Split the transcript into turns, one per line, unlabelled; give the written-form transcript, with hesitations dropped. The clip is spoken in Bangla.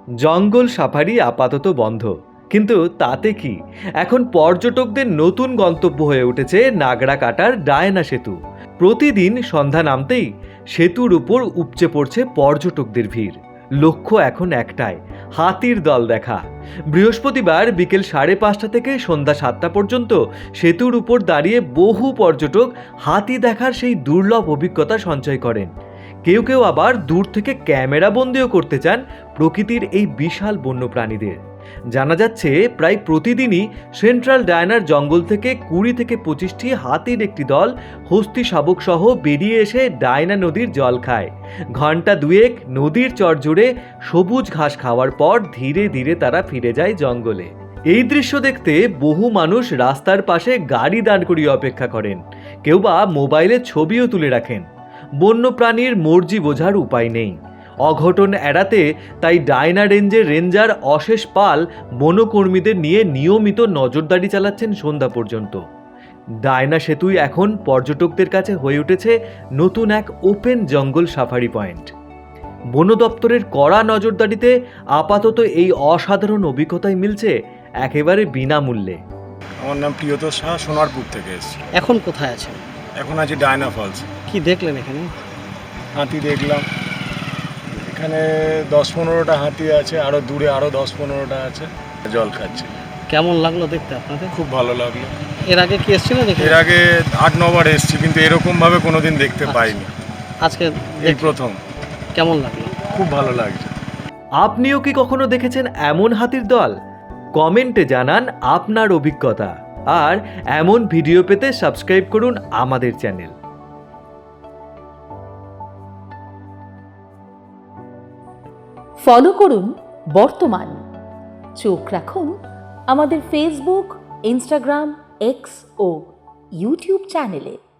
জঙ্গল সাফারি আপাতত বন্ধ, কিন্তু তাতে কি, এখন পর্যটকদের নতুন গন্তব্য হয়ে উঠেছে নাগড়াকাটার ডায়না সেতু। প্রতিদিন সন্ধ্যা নামতেই সেতুর উপর উপচে পড়ছে পর্যটকদের ভিড়। লক্ষ্য এখন একটাই, হাতির দল দেখা। বৃহস্পতিবার বিকেল 5:30 থেকে সন্ধ্যা 7টা পর্যন্ত সেতুর উপর দাঁড়িয়ে বহু পর্যটক হাতি দেখার সেই দুর্লভ অভিজ্ঞতা সঞ্চয় করেন। কেউ কেউ আবার দূর থেকে ক্যামেরা বন্দিও করতে চান প্রকৃতির এই বিশাল বন্যপ্রাণীদের। জানা যাচ্ছে প্রায় প্রতিদিনই সেন্ট্রাল ডায়নার জঙ্গল থেকে 20 থেকে 25টি হাতির একটি দল হস্তি শাবক সহ বেরিয়ে এসে ডায়না নদীর জল খায়। ঘন্টা দুয়েক নদীর চর জুড়ে সবুজ ঘাস খাওয়ার পর ধীরে ধীরে তারা ফিরে যায় জঙ্গলে। এই দৃশ্য দেখতে বহু মানুষ রাস্তার পাশে গাড়ি দাঁড় করিয়ে অপেক্ষা করেন, কেউ বা মোবাইলে ছবিও তুলে রাখেন। বন্যপ্রাণীর মর্জি বোঝার উপায় নেই। অঘটন এড়াতে তাই ডায়না রেঞ্জের রেঞ্জার অশেষ পাল বনকর্মীদের নিয়ে নিয়মিত নজরদারি চালাচ্ছেন সন্ধ্যা পর্যন্ত। ডায়না সেতুই এখন পর্যটকদের কাছে হয়ে উঠেছে নতুন এক ওপেন জঙ্গল সাফারি পয়েন্ট। বন দপ্তরের কড়া নজরদারিতে আপাতত এই অসাধারণ অভিজ্ঞতাই মিলছে একেবারে বিনামূল্যে।
আমার নাম প্রিয়তোষ সাহা, সোনারপুর থেকে এসেছি।
এখন কোথায় আছেন?
এখন আছি ডায়না ফলস।
কি দেখলেন এখানে?
হাতি দেখলাম, এখানে 10-15টা হাতি আছে, আরও দূরে আরও 10-15টা আছে, জল খাচ্ছে।
কেমন লাগলো দেখতে আপনাদের?
খুব ভালো লাগলো।
এর আগে কি এসেছিলেন এখানে?
এর আগে 8-9 বার এসেছি, কিন্তু এরকমভাবে কোনোদিন দেখতে পাইনি।
আজকে
এই প্রথম।
কেমন লাগলো?
খুব ভালো লাগছে।
আপনিও কি কখনো দেখেছেন এমন হাতির দল? কমেন্টে জানান আপনার অভিজ্ঞতা। আর এমন ভিডিও পেতে সাবস্ক্রাইব করুন আমাদের চ্যানেল।
ফলো করুন বর্তমান। চোখ রাখুন আমাদের ফেসবুক, ইনস্টাগ্রাম, এক্স ও ইউটিউব চ্যানেলে।